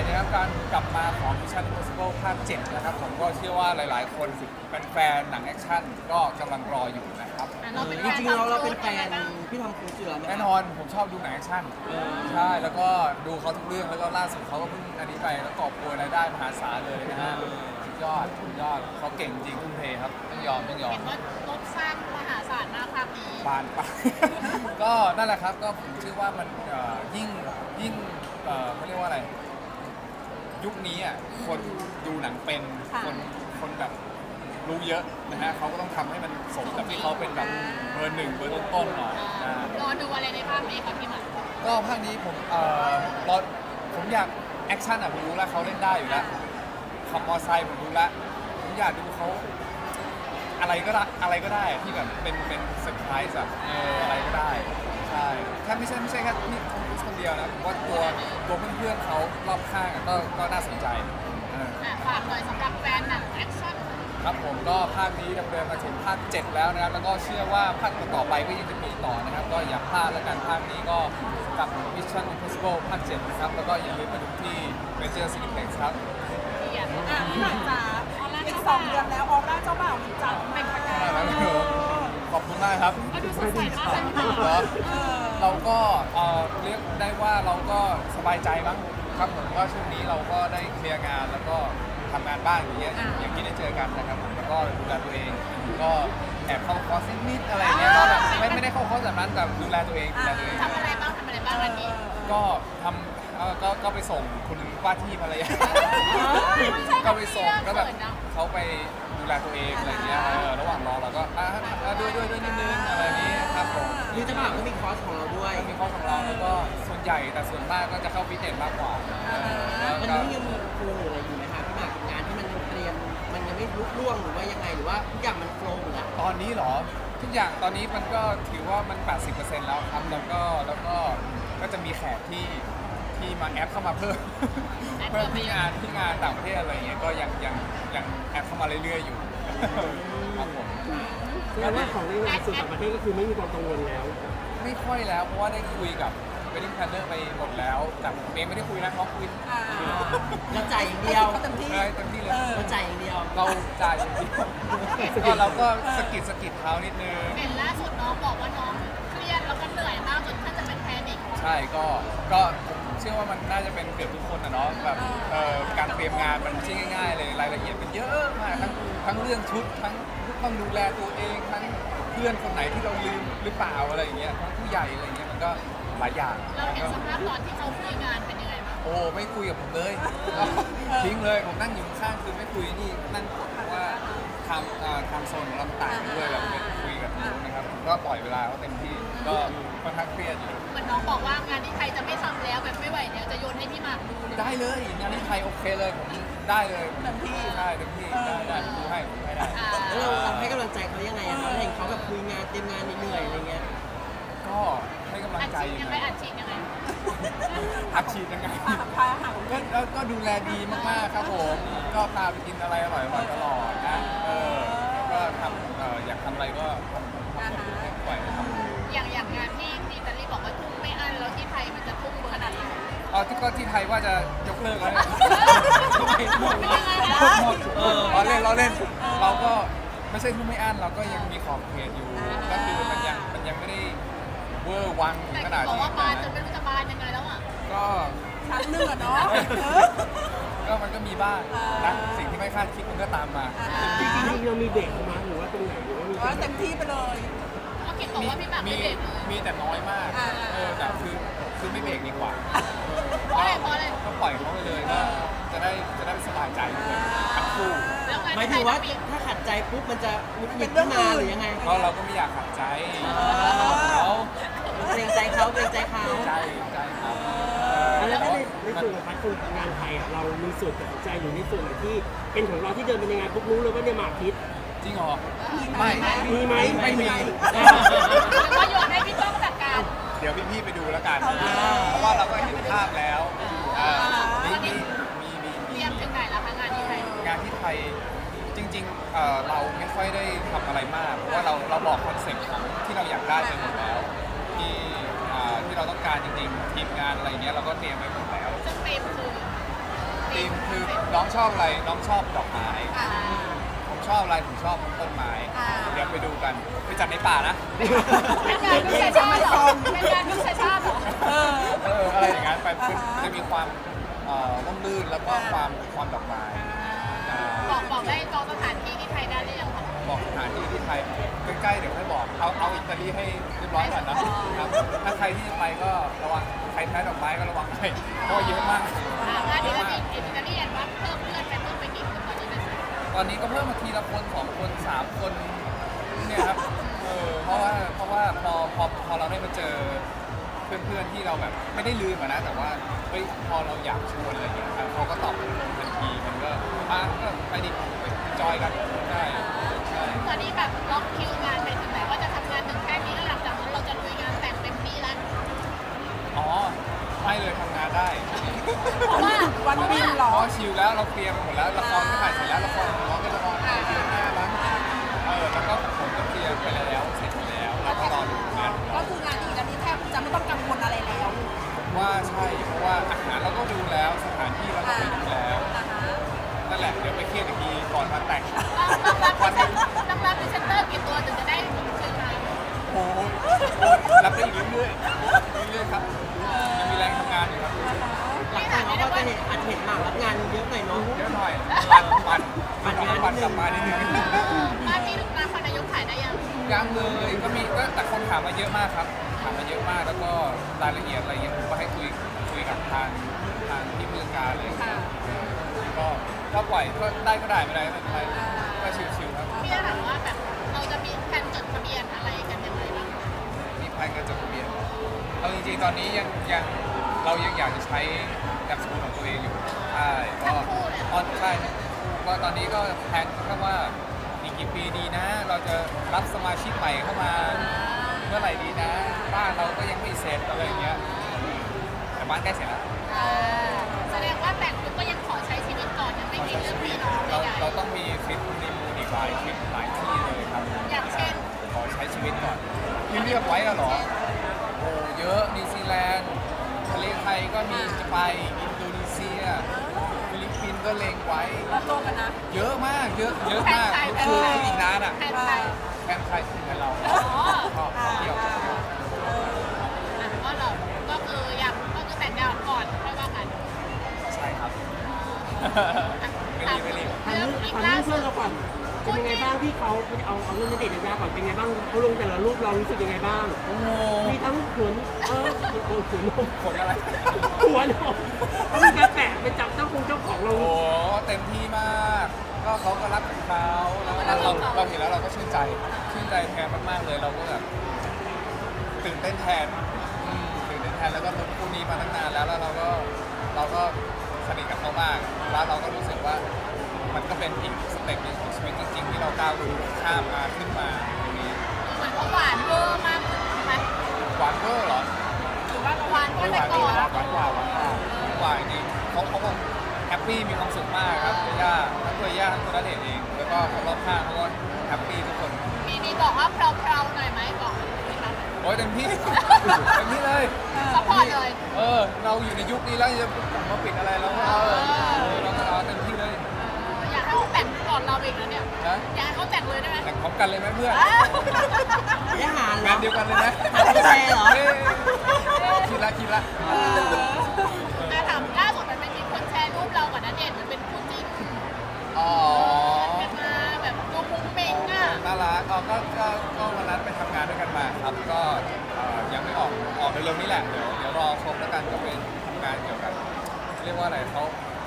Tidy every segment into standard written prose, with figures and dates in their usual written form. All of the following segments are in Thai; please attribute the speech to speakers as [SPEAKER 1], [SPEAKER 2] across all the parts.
[SPEAKER 1] นะครับการกลับมาของ Mission Impossible ภาค 7 นะครับผมก็เชื่อว่าหลายๆ คนเป็นแฟนหนังแอคชั่นก็กำลังรออยู่นะครับ
[SPEAKER 2] จริงๆเราเป็นแฟนพี่ทอมครูซอยู่แล้วไหม
[SPEAKER 1] แน่นอนผมชอบดูหนังแอคชั่นใช่แล้วก็ดูเขาทุกเรื่องแล้วก็ล่าสุดเขาก็เพิ่งอันนี้ไปแล้วกอบโกยรายได้มหาศาลเลยนะฮะสุดยอดเขาเก่งจริงทุ่มเทครับต้องยอม
[SPEAKER 3] เห็นว่ารถสร้างมหาศาลมากภาพนี้
[SPEAKER 1] บานไป ก็นั่นแหละครับก็ผมเชื่อว่ามันยิ่งเขาเรียกว่าอะไรยุคนี้อ่ะคนดูหนังเป็นคนแบบรู้เยอะนะฮะเขาก็ต้องทำให้มันสมกับที่เขาเป็นแบบเบอร์หนึ่งเบอร์ต้นๆหน่อยนะ
[SPEAKER 3] รอดูอะไรในภาพนี้ครับพี่หมัน
[SPEAKER 1] ก็ภาคนี้ผมอยากแอคชั่นอ่ะผมรู้แล้วเขาเล่นได้อยู่แล้วขับมอเตอร์ไซค์ผมรู้แล้วผมอยากดูเขาอะไรก็ได้ที่แบบเป็นเซอร์ไพรส์อะอะไรก็ได้ใช่แค่ไม่ใช่แค่นี่คนเดียวนะผมว่าตัวเพื่อนๆเขารอบข้างอะก็น่าสนใจ
[SPEAKER 3] ฝากหน่อยสำหรับแฟนหนังแอคชั่น
[SPEAKER 1] ครับผมก็ภาคนี้ดำเนินมาถึงภาค 7 แล้วนะครับแล้วก็เชื่อว่าภาคต่อไปก็ยังจะมีต่อนะครับก็อย่าพลาดแล้วกันภาคนี้ก็กับ Mission Impossible ภาค 7 นะครับแล้วก็อย่าลืมมาดูที่ Major Cineplex ครับ
[SPEAKER 4] พี่หน่อยจ๋าอีก2 เดือนแล้วออร่าเจ้าบ่าวมันจัดเป็นประกาย
[SPEAKER 1] ขอบคุณมากครับ
[SPEAKER 3] ก็ดูสดใสมากเลย
[SPEAKER 1] เหรอเราก็เรียกได้ว่าเราก็สบายใจมั้งครับผมว่าช่วงนี้เราก็ได้เคลียร์งานแล้วก็ทำงานบ้างอย่างเงี้ยอย่างที่ได้เจอกันนะครับผมแล้วก็ดูแลตัวเองก็แอบเข้าคอร์สนิดอะไรเงี้ยก็แบบไม่ได้เข้าคอร์สแบบนั้นแต่ดูแลตัวเอง
[SPEAKER 3] ทำอะไรบ้างวันนี้
[SPEAKER 1] ก็ทำก็ไปส่งคุณว่าที่ภรรยาก็ไปส่งก็แบบเขาไปดูแลตัวเองอะไรเงี้ยระหว่างรอเราก็ด้วยนิดนึงอะไรนี้ครับผม
[SPEAKER 2] คือจะบอกว่ามีคอร์สของเราด้วย
[SPEAKER 1] มีคอร์สของเราแล้วก็ส่วนใหญ่แต่ส่วนมากก็จะเข้าฟิตเนสมากกว่า
[SPEAKER 2] วันนี้ยังมีโครงหรืออะไรอยู่ไหมคะพี่หมากงานที่มันเตรียมมันยังไม่ลุล่วงหรือว่ายังไงหรือว่าทุกอย่างมันโฟล์หมดแล้ว
[SPEAKER 1] ตอนนี้เหรอทุกอย่างตอนนี้มันก็ถือว่ามัน 80% แล้วครับแล้วก็จะมีแขกที่มาแอปเข้ามาเพิ่มที่งานต่างประเทศอะไรเงี้ยก็ยังแอปเข้ามาเรื่อยๆอยู่ครับผม
[SPEAKER 5] แสดงว่าของในงานส่วนต่างประเทศก็คือไม่มีความกังวลแล้ว
[SPEAKER 1] ไม่ค่อยแล้วเพราะว่าได้คุยกับwedding planner ไปหมดแล้วแต่ผมเองไม่ได้คุยนะเขาคุย
[SPEAKER 2] เราจ่ายอย่างเดียว
[SPEAKER 4] เต็มที่
[SPEAKER 1] เลย
[SPEAKER 2] เราจ่ายอย่างเดียว
[SPEAKER 1] เราจ่ายอย่างเดียวก็เราก็สกิดเขานิดนึง
[SPEAKER 3] เห็นล่าสุดน้องบอกว่าน้องเครียดแล้วก็เหนื่อยมากจนท่านจะเป็นแพนิค
[SPEAKER 1] ใช่ก็เชื่อว่ามันน่าจะเป็นเกือบทุกคนนะเนาะแบบการเตรียมงานมันไม่ใช่ง่ายๆเลยรายละเอียดมันเยอะมากทั้งเรื่องชุดทั้งต้องดูแลตัวเองทั้งเพื่อนคนไหนที่เราลืมหรือเปล่าอะไรอย่างเงี้ยทั้งผู้ใหญ่อะไรอย่างเงี้ยมันก็หลายอย่าง
[SPEAKER 3] เราเห็นสภาพตอนที่เขาคุยงานเป็นยังไงบ้าง
[SPEAKER 1] โอ้ไม่คุยกับผมเลยทิ้งเลยผมนั่งอยู่ข้างคือไม่คุยนี่นั่งกดเพราะว่าทำโซนของเราต่างกันด้วยเราไม่คุยกับนู้นนะครับก็ปล่อยเวลาเขาเต็มที่ก็ค่อนข้างเครียดอยู่
[SPEAKER 3] เหมือนน้องบอกว่างานที่ไทยจะไม่ทำแล้วแบบไม่ไหวเนี่ยจะโยนให้พี่หมากดู
[SPEAKER 1] ได้เลยงานที่ไทยโอเคเลยผมได้เลยเต็มที่ได้ดูให้ได้
[SPEAKER 2] แล้วเราให้กำลังใจเขายังไงอะเราเห็นเขาแบบคุยงานเตรียมงานเหนื่อยอะไรเงี้ย
[SPEAKER 1] ก็ให้กำลังใจ
[SPEAKER 3] ยังไงอัดฉีดยังไง
[SPEAKER 1] ก็ดูแลดีมากๆครับผมก็พาไปกินอะไรอร่อยตลอดนะก็ทำอยากทำอะไรก็ให้ปล่อยท
[SPEAKER 3] ำอย่างงานที่อิตาลีบอกว่าทุ่มไม่อั้นแล้วที่ไทยมันจะทุ่มขนาดไหน
[SPEAKER 1] ที่ไทยว่าจะยกเลิกแล้วเราเล่นเราก็ไม่ใช่ทุ่มไม่อั้นเราก็ยังมีขอบเขตอยู่ก็คือมันยังไม่ได้เวอร์วังขนาด
[SPEAKER 3] ที่บอกว่าบานจนไม่รู้จะบานยังไงแล้วอ่ะ
[SPEAKER 1] ก็
[SPEAKER 4] ชั้นหนึ่งอะเนาะ
[SPEAKER 1] ก็มันก็มีบ้างนะสิ่งที่ไม่คาดคิดมันก็ตามมา
[SPEAKER 5] จริงๆเรามีเบรกมาหรือว่าตรงไหนหรือว่ามี
[SPEAKER 4] เต็มที่ไปเลย
[SPEAKER 3] ก็คิดบอกว่าพี่แบบไม่เบรก
[SPEAKER 1] มีแต่น้อยมากแต่คือไม่เบรกดีกว่า
[SPEAKER 3] เพราะอะไร
[SPEAKER 1] ก็ปล่อยเขาไปเลยก็จะได้สบายใจด้วยทั้งคู่
[SPEAKER 2] หมายถึงว่าถ้าขัดใจปุ๊บมันจะเป็นเรื่องมาหรือยังไง
[SPEAKER 1] ก็เราก็ไม่อยากขัดใจเขา
[SPEAKER 2] เกรงใจเขา
[SPEAKER 1] ใจเขา
[SPEAKER 5] แล้วในส่วนของพาร์ทของงานไทยเรามีส่วนตัดสินใจอยู่ในส่วนไหนที่เป็นของเราที่เดินเป็นยังไงปุ๊บรู้เลยว่าเนี่ยหมากคิด
[SPEAKER 1] จริงเหรอไม่
[SPEAKER 5] มีไหม
[SPEAKER 1] ไม่มี
[SPEAKER 3] ก็โยนให้พี่ต้องจัดการ
[SPEAKER 1] เดี๋ยวพี่ไปดูแล้วกันเพราะว่าเราก็เห็นภาพแล้วมี
[SPEAKER 3] เตรียมถึงไหนแล้วคะงานที่ไทย
[SPEAKER 1] จริงๆเราไม่ค่อยได้ทำอะไรมากเพราะว่าเราบอกคอนเซ็ปต์ของที่เราอยากได้ไปหมดแล้วที่เราต้องการจริงๆทีมงานอะไรเงี้ยเราก็เตรียมไว้หมดแล้ว
[SPEAKER 3] ซึ่งเตรียมคือ
[SPEAKER 1] น้องชอบอะไรน้องชอบดอกไม้
[SPEAKER 3] อ่า
[SPEAKER 1] ผมชอบอะไรผมชอบต้นไม้ เดี๋ยวไปดูกันไปจัดในป่านะ
[SPEAKER 3] เป็นงานพิเศษชาติเหรอเป็นงานพิเศษชาติเหรอ
[SPEAKER 1] อะไรอย่างนั้นไปมันจะมีความร่มรื่นแล้วก็ความดอกไม้อ่า
[SPEAKER 3] บอกได้จองสถานที่ที่ไทยได้หรือยังคะ
[SPEAKER 1] บอกสถานที่ที่ไทยใกล้ๆเดี๋ยวค่อยบอกเอาอิตาลีให้เรียบร้อยก่อนนะครับถ้าใครที่จะไปก็ระวังใครแพ้ดอกไม้ก็ระวังหน่อยเพราะว่าเยอะมาก
[SPEAKER 3] งานอิตาลีว่าเพิ่มเพื่อนไปเพิ่มไปกี่คนตอนนี้เป็น
[SPEAKER 1] ตอนนี้ก็เพิ่มมาทีละคน2 คน 3 คนเนี่ยครับเพราะว่าพอเราได้มาเจอเพื่อนๆที่เราแบบไม่ได้ลืมอะนะแต่ว่าเฮ้ยพอเราอยากชวนอะไรอย่างเงี้ยครับเขาก็ตอบทันทีมันก็ก็ไปดิไปจอยกันได้ใช่
[SPEAKER 3] ตอนนี้แบบล็อกคิวงานไปถึงไหนว่าจะทำงานถึงแค่นี้แล้วหลังจากนั้นเราจะลุยงานแต่งเต็มที่แล้ว
[SPEAKER 1] อ๋อไม่เลยทำงานได้
[SPEAKER 3] เพราะว่า
[SPEAKER 4] วันบินเหรอ
[SPEAKER 1] เพราะชิลแล้วเราเคลียร์ไปหมดแล้วละครก็ถ่ายเสร็จแล้วละครของน้องก็ละครถ่ายเดือนหน้าแล้วแล้วก็ผมก็เคลียร์ไปแล้วเสร็จแล้วแล้วก็รอดูงานของ
[SPEAKER 4] ก็
[SPEAKER 1] เรา
[SPEAKER 4] คืองานที่อิตาลีแทบจะไม่ต้องกังวลอะไรแล้ว
[SPEAKER 1] ผมว่าใช่เพราะว่าอาหารเราก็ดูแล้วสถานที่เราก็ไปดูแล้วนั่นแหละเดี๋ยวไปเครียดอีกทีก่อนวันแต่ง
[SPEAKER 3] ต้องรับพรีเซนเตอร์กี่ตัวถึงจะได้คืนมา
[SPEAKER 1] โอ้โหรับได้อีกเรื่อยๆเรื่อยๆครับยังมีแรงทำงานอยู่ครับ
[SPEAKER 2] หลังจากเราก็จะอาจเห็นหมากรับงานเยอะหน่อยเนาะ
[SPEAKER 1] เยอะหน่อยปั่นกลับมานิดนึง
[SPEAKER 3] บ้านที่ลูกตาคนนายกขายได้ยัง
[SPEAKER 1] ยังเลยก็มีก็แต่คนถามมาเยอะมากครับถามมาเยอะมากแล้วก็รายละเอียดอะไรเงี้ยผมก็ให้คุยกับทางที่ผู้จัดการเลยก็ถ้าปล่อยก็ได้ไม่ได้ไม่เป็นไรก็ชิวๆครับ
[SPEAKER 3] พี่จะถามว่าแบบเราจะมีแผนจดทะเบียนอะไรกันยังไงบ้าง
[SPEAKER 1] มีแพลนการจดทะเบียนเอาจริงๆตอนนี้ยังเรายังอยากจะใช้แอปสกุลของตัวเองอยู่ใช่ก็ใช่ก็ตอนนี้ก็แพลนแค่ว่าอีกกี่ปีดีนะ เราจะรับสมาชิกใหม่เข้ามาเมื่อไหร่ดีนะบ้านเราก็ยังไม่เสร็จอะไรอย่างเงี้ยแต่บ้านใกล้เสร็จแล้ว
[SPEAKER 3] แสดงว่าแต่งปุ๊บก็ยังขอใช้ชีวิตก่อนยังไม่คิดเรื่องมีน้องใหญ่
[SPEAKER 1] เราต้องมีทริปในมูนอีกหลายทริปหลายที่เลยครับ
[SPEAKER 3] อย่างเช่น
[SPEAKER 1] ขอใช้ชีวิตก่อนที่เลือกไว้อะเหรอโอ้เยอะนิวซีแลนด์ทะเลไทยก็มีจะไปอินโดนีเซียฟิลิปปินส์ก็เล็งไว้
[SPEAKER 4] เราโตกันนะ
[SPEAKER 1] เยอะมากเยอะมากคืออีกนานอ่ะ
[SPEAKER 3] แผนไทย
[SPEAKER 1] แฟนใครถึงกับเรา
[SPEAKER 3] อ๋อ
[SPEAKER 1] ชอบเที่ยว
[SPEAKER 3] ก็เราก็คืออยากก็คือแต่งงานก่อนค่อยว่ากัน
[SPEAKER 1] ใช่ครับไม่รีบ
[SPEAKER 5] ถามเรื่องเพื่อนเราก่อนเป็นยังไงบ้างที่เขาเอาเรื่องณเดชน์ยายาก่อนเป็นยังไงบ้างเขาลงแต่ละรูปเรารู้สึกยังไงบ้าง
[SPEAKER 1] โอ้โห
[SPEAKER 5] มีทั้งขนขนนม
[SPEAKER 1] ผลอะไร
[SPEAKER 5] หัวนมเขามีการแปะไปจับเจ้าของเรา
[SPEAKER 1] โอ้เต็มที่มากก็เขาก็รักของเขาแล้วเราเห็นแล้วเราก็ชื่นใจแทนมากๆเลยเราก็แบบตื่นเต้นแทนแล้วก็ลุ้นคู่นี้มาตั้งนานแล้วเราก็สนิทกับเขามากแล้วเราก็รู้สึกว่ามันก็เป็นอีกสเต็ปหนึ่งของชีวิตจริงๆที่เราก้าวข้ามมาขึ้นมาตรงนี้
[SPEAKER 3] เหมือนเขาหวานเวอร์มากไหม
[SPEAKER 1] หวานเวอร์เหรอ
[SPEAKER 3] หรือว่าหวานกว่า
[SPEAKER 1] ไม่
[SPEAKER 3] แต่
[SPEAKER 1] หวาน
[SPEAKER 3] ก่อน
[SPEAKER 1] หวานกว่าจริงเขาคงแฮปปี้มีความสุขมากครับตัวย่าทั้งตัวย่าทั้งตัวณเดชน์เองแล้วก็คนรอบข้างเขาก็แฮปปี้ทุกคน
[SPEAKER 3] มีบอกว่าเพลาๆหน่อยไหมบอกไหมคะ
[SPEAKER 1] โอ้ยเต็มที่ เต็มที่เลย
[SPEAKER 3] ซัพพอร์ตเลย
[SPEAKER 1] เราอยู่ในยุคนี้แล้วจะมาปิดอะไรแล้วเราก็เอาเต็มที่เลย
[SPEAKER 3] อยากให้เขาแต่งก่อนเราอีกแล้วเนี่ย
[SPEAKER 1] นะ
[SPEAKER 3] อยากให้เขาแต่งเลยได้ไหม
[SPEAKER 1] แต่งพร้อมกันเลยไหมเพื่อน
[SPEAKER 2] ได้หารเหรง
[SPEAKER 1] านเดียวกันเลยนะ
[SPEAKER 2] หารแชร์เหรอ
[SPEAKER 1] เฮ้ยคิดละ
[SPEAKER 3] แต่ถามล่าสุดมันมีคนแชร์รูปเรากับณเดชน์เหมือนเป็นคู่จิ้น
[SPEAKER 1] อ๋อ
[SPEAKER 3] กันมาแบบดูมุ้งมิ้งอ่ะ
[SPEAKER 1] น่ารักก็วันนั้นไปทำงานด้วยกันมาครับก็ยังไม่ออกเร็วๆนี้แหละเดี๋ยวรอชมแล้วกันก็เป็นทำงานเกี่ยวกับเรียกว่าอะไรเขา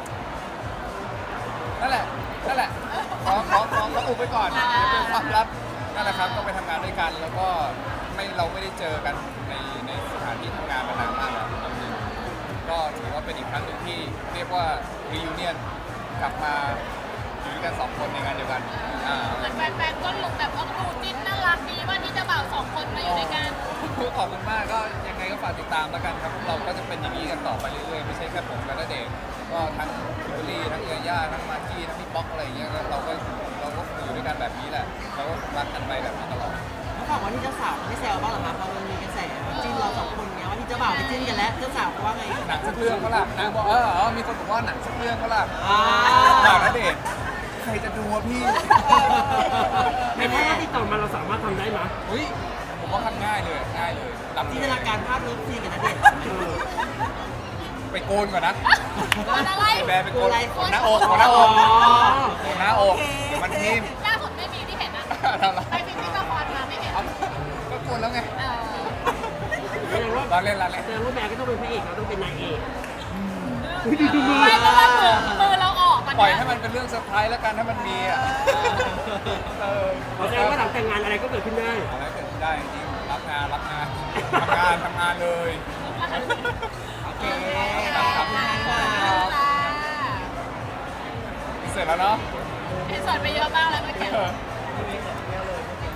[SPEAKER 1] นั่นแหละขออุบไปก่อนเดี๋ยวเป็นความลับนั่นแหละครับก็ไปทำงานด้วยกันแล้วก็เราไม่ได้เจอกันในสถานที่ทำงานมานานมากแล้วก็ถือว่าเป็นอีกครั้งหนึ่งที่เรียกว่า reunion กลับมาอยู่ด้วยกัน2 คนในงานเดียวกัน
[SPEAKER 3] เหมือนแฟนๆก็ลงแบบว่าดูจิ้นน่ารักดีว่าที่เจะบ่าว2 คนมาอยู่ด้วยกัน
[SPEAKER 1] ขอบคุณมากก็ยังไงก็ฝากติดตามแล้วกันครับเราก็จะเป็นอย่างนี้กันต่อไปเรื่อยๆไม่ใช่แค่ผมกับณเดชน์ก็ทั้งคิมเบอรรี่ทั้งเอย่าทั้งมากกี้ทั้งพี่ป๊อกอะไรอย่างเงี้ยเราก็อยู่ด้วยกันแบบนี้แหละเราก็รักกันไปแบบนี้ตลอด
[SPEAKER 2] เขาบอกว่าที่เจ้าสาวไม่แซวบ้างเหรอคะพอมันมีกระแสจิ้นเราสองคนเนี้ยว่าที่เจ้าบ่าวไปจิ้นกันแล้วเจ้าสาวเขาว่าไง
[SPEAKER 1] หนังสักเรื่องก็ล่ะนางบอกมีคนบอกว่าหนังสักเรื่องก็ล่ะ
[SPEAKER 2] อ่า
[SPEAKER 1] บ่าวณเดชน์ใครจะดูวะพี่
[SPEAKER 5] ในถ้าติดต่อมาเราสามารถทำได้ไหม
[SPEAKER 1] อุ้ยผมว่าทำง่ายเลยรับ
[SPEAKER 2] จินตนาการภาพนี้ซีกันนะเด็ก
[SPEAKER 1] ไปโกนก่อนนะ
[SPEAKER 3] โกนอะไร
[SPEAKER 1] แบร์ไปโกน
[SPEAKER 2] โกนอะไร
[SPEAKER 1] โกนหน้าอกโกนหน้าอกโกนหน้าอกเดี๋ยวมันทิ่ม
[SPEAKER 3] ล่าสุดไม่มีที่เห็นนะไปฟิตติ้งละครมาไม่เห็น
[SPEAKER 1] เอาก็โกนแล้วไง
[SPEAKER 3] เออ
[SPEAKER 5] แสดงว่า
[SPEAKER 1] เราเล่น
[SPEAKER 5] แสดงว่าแบร์ก็ต้องเป็นพระเอกเราต้องเป็นนายเอก
[SPEAKER 3] ไม่เพราะว่ามือเราออกมัน
[SPEAKER 1] ปล่อยให้มันเป็นเรื่องเซอร์ไพรส์แล้วกันถ้ามันมีอ่ะ
[SPEAKER 5] แสดงว่าหลังแต่งงานอะไรก็เกิดขึ้นได้
[SPEAKER 1] อะไรเกิดขึ้นได้จริงๆรับงานทำงานเลย
[SPEAKER 2] โอเค
[SPEAKER 1] ครับ
[SPEAKER 2] ขอบคุณค่ะ
[SPEAKER 1] เสร็จแล้วเนาะ
[SPEAKER 3] พี่สอนไปเยอะมากแล้วเมื่อกี้
[SPEAKER 1] เออ